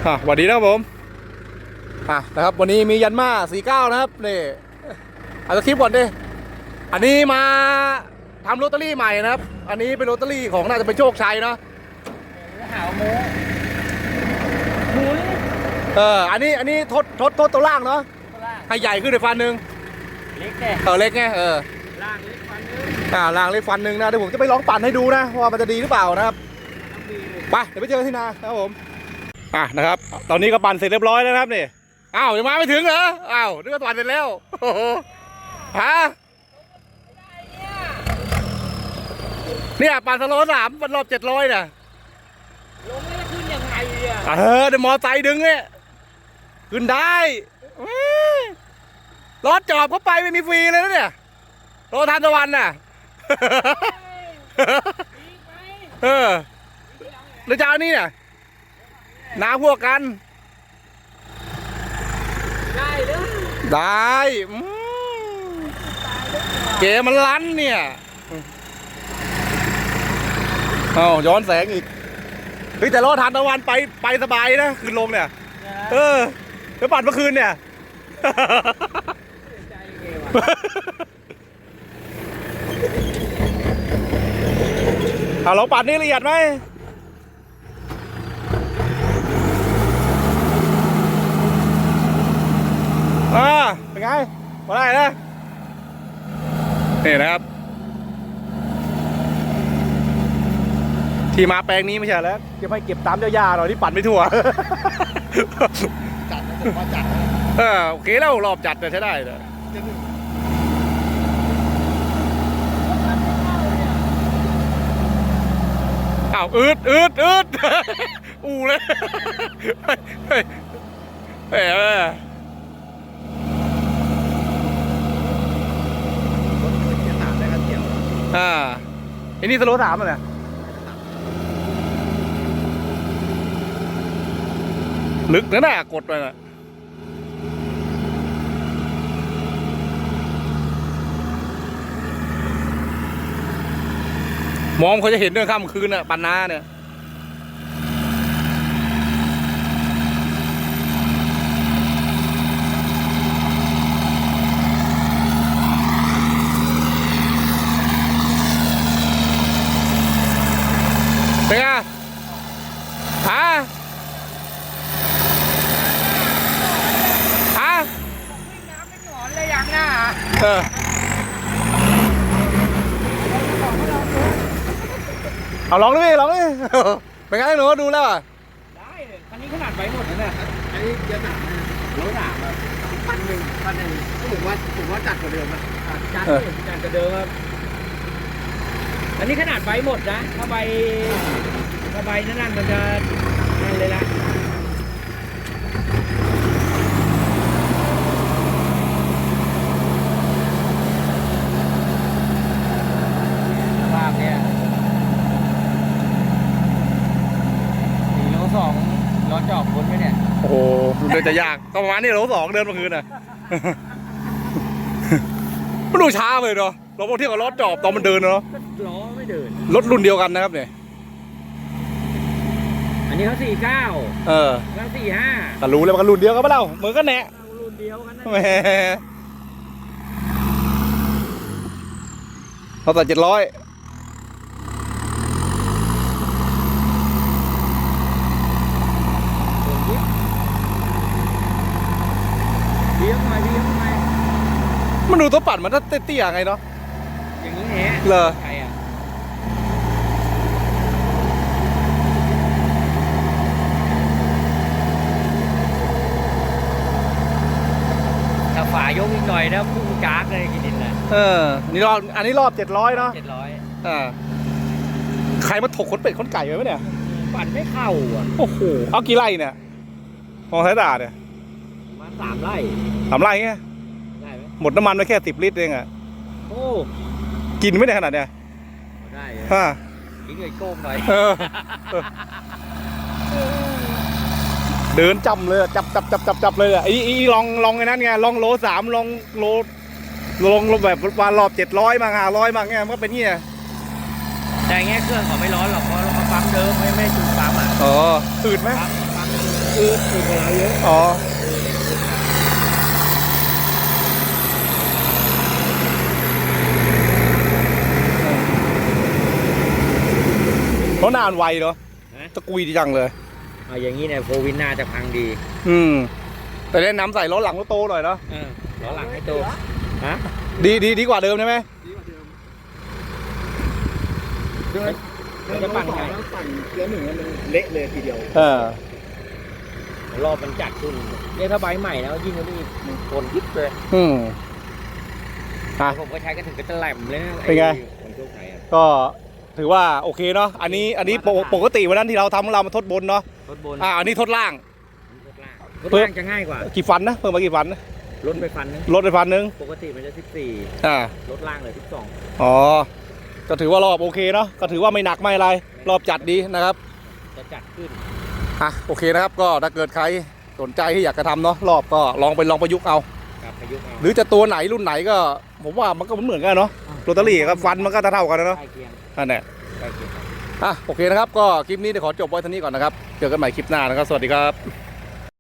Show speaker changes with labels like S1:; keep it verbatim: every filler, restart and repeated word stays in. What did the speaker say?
S1: อ่ะสวัสดีนะครับผมอ่ะนะครับวันนี้มียันมาสี่เก้านะครับนี่เอาคลิปก่อนดิอันนี้มาทำโรตารี่ใหม่นะครับอันนี้เป็นโรตารี่ของน่าจะเป็นโชคชัยเนาะ
S2: หาวโม้หมุน
S1: เอออันนี้อันนี้ทดทดทดตัวล่างเนาะให้ใหญ่ขึ้นในฟันหนึ่ง
S2: เล็กแน่
S1: เออเล็กไงเออ
S2: ล่างเล็กฟันนึง
S1: อ่าล่างเล็กฟันหนึ่งนะเดี๋ยวผมจะไปลองปั่นให้ดูนะว่ามันจะดีหรือเปล่านะครับไปเดี๋ยวไปเจอกันที่นาครับผมอ่ะนะครับตอนนี้ก็ปั่นเสร็จเรียบร้อยแล้วนะครับนี่อ้าวยังมาไม่ถึงเหรออ้าวนึกว่าปั่นเสร็จแล้วโอ้โหฮะเนี่ยปั่นสโลสามปั่นรอบเจ็ดร้อยน่ะ
S2: ลงไม่ได้ขึ้นยังไงอ่ะ
S1: เออเดี๋ยวมอไซค์ดึงเนี่ยขึ้นได้รถจอบเข้าไปไม่มีฟรีเลยนะเนี่ยรถทานตะวันน่ะเออเดี๋ยวเจ้านี่เนี่ยน้าพวกกัน
S2: ได้เด้อ
S1: ได้เก๋มันลั้นเนี่ยเอาย้อนแสงอีกเฮ้ยแต่รถทานตะวันไปไปสบายนะขึ้นลงเนี่ยเออแล้วปั่นเมื่อคืนเนี่ยเอาเราปั่นนี่ละเอียดไหมอ่าเป็นไงมาได้นะนี่นะครับที่มาแปลงนี้ไม่ใช่แล้วจะไม่เก็บตามเจ้าหญ้าหน่อยที่ปั่นไม่ทั่วจัดนะผมว่าจัดเออโอเคแล้วรอบจัดแต่ใช้ได้เลยอ้าวอืดอืดอืดอู้เลยเฮ้ยเฮ้ยอ่าไอ้นี่สโลว์สามเลยลึกนะน่ะกดไปน่ะมองเขาจะเห็นเรื่องค่ำคืนน่ะปันนาเนี่ยเป็นไงฮะฮะ
S2: น้ำไม่หนอนเลยอย่างน่ะ
S1: เออเอาลองดิลองดิเป็นไงหนูดูแล้วอ่ะ
S2: ได้เลยคันนี้ขนาดไว้หมดแล้วเนี่ยอันนี้เยอะหนาร้อยหนาครับพันหนึ่งพันหนึ่งก็ผมว่าผมว่าจัดกว่าเดิมนะจัดจัดกว่าเดิมครับอันนี้ขนาดใบหมดนะถ้าใบถ้าใบนั่นมันจะนั่นเลยละภาพเนี้ยสี่โลสองรถจอบพ้นไหมเนี่ย
S1: โอ้โหเดินจะยากก็ประมาณนี้โลสองเดินเมื่อคืนน่ะมันดูช้าเลยเนาะเราพอเที่ยวกับรถจอบตอนมันเดินเนาะ
S2: ล้อไม่เดิน
S1: รถรุ่นเดียวกันนะครับเนี่ย
S2: อันนี้เขาสี่เก้า
S1: เออ
S2: แล้วสี่ห้า
S1: แต่รู้แล้วมันก็รุ่นเดียวกันปะเล่าเหมือนกันแน่
S2: รุ่นเดียวกัน
S1: แหมเขาแต่เจ็ดร้อย
S2: เลี้ยงหน่อยเลี้ยงหน่อย
S1: มันดูตัวปั่นมันจะเตี้ยๆไงเนาะ
S2: อย่างนี้แหละ
S1: เหรอ
S2: ใครอ่ะถ้าฝายกอีกหน่อยนะพุ่งจากเลยกินดินนะ
S1: เออนี่รอบอันนี้รอบเจ็ดร้อยเนาะ
S2: เจ็ดร้อย
S1: อ่าใครมาถกขนเป็ดขนไก่ไว้ไหมเนี่ย
S2: ปั่นไม่เข้าอ่ะ
S1: โอ้โหเอากี่ไร่เนี่ยมองสายตาเนี่ย
S2: มาสามไร่
S1: สามไร่ไง
S2: ได้ไหม
S1: หมดน้ำมันไปแค่สิบลิตรเองอ่ะ
S2: โอ้
S1: กินไม่ได้ขนาดเนี้ย
S2: ได้
S1: ฮะ
S2: กินเงยโก้งหน่อย
S1: เดินจำเลยจับจับจับจับจับเลยอ่ะไอ้อีลองลองไอ้นั้นไงลองโลสามลองโลลงแบบวานรอบเจ็ดร้อยมาห้าร้อยมาเงี้ยมันก็เป็นเงี้ย
S2: แต่เงี้ยเครื่องเขาไม่ร้อนหรอกเพราะเราปั๊มเดิมไม่ไม่จุดปั๊มอ่ะ
S1: อ๋ออืดไหม
S2: ปั๊มปั๊มอืดอืดกว่าเราเยอะ
S1: อ๋อเพราะนานไวเนาะตะกุยดีจังเลย
S2: เอาอย่างนี้เนี่ยโฟวินน่าจะพังดี
S1: อืมแต่แนะนำใส่ล้อหลังรถโตหน่อยเนาะ
S2: เออล้อหลังให้โตฮะ
S1: ดีดีดีกว่าเดิมใช่ไหม
S2: เดินจะปั่นไงปั่นเกียร์หนึ่งมันเละเลยทีเดียว
S1: เออ
S2: รอบมันจัดขึ้นเนี่ยถ้าใบใหม่แล้วยิ่งกว่านี้มันโคนยิบเลย
S1: อืมอ่ะ
S2: ผมก็ใช้กันถึงกระตะแหลมเลยนะ
S1: เป็นไง
S2: คนโชคชัยอะ
S1: ก็ถือว่าโอเคเนาะอันนี้อันนี้ปกปกติวันนั้นที่เราทำของเรามาทดบนเนาะ
S2: รถบน
S1: อ่าอันนี้ทดล่าง
S2: รถล่างรถล่างจะง่ายกว่า
S1: กี่ฟันนะเพิ่มมากี่ฟันนะ
S2: รถไปฟันนึง
S1: ลดไปฟันนึง
S2: ปกติมันจะสิบสี่
S1: อ่าร
S2: ถล่างเลยสิบสอง
S1: อ๋อก็ถือว่ารอบโอเคเนาะก็ถือว่าไม่หนักไม่อะไร รอบจัดดีนะครับ
S2: จะจัดขึ้น
S1: อ่ะโอเคนะครับก็ถ้าเกิดใครสนใจที่อยากจะทำเนาะรอบก็ลองไปลองประยุกต์เอา
S2: กับประยุกต์เอา
S1: หรือจะตัวไหนรุ่นไหนก็ผมว่ามันก็เหมือนกันเนาะโรตารี่กับฟันมันก็เท่าๆกันนะเนาะ
S2: ใกล้เคียง
S1: อันเนี้ย
S2: ใกล้เคียง
S1: อ่ะโอเคนะครับก็คลิปนี้เดี๋ยวขอจบไว้เท่านี้ก่อนนะครับเจอกันใหม่คลิปหน้านะครับสวัสดีครับ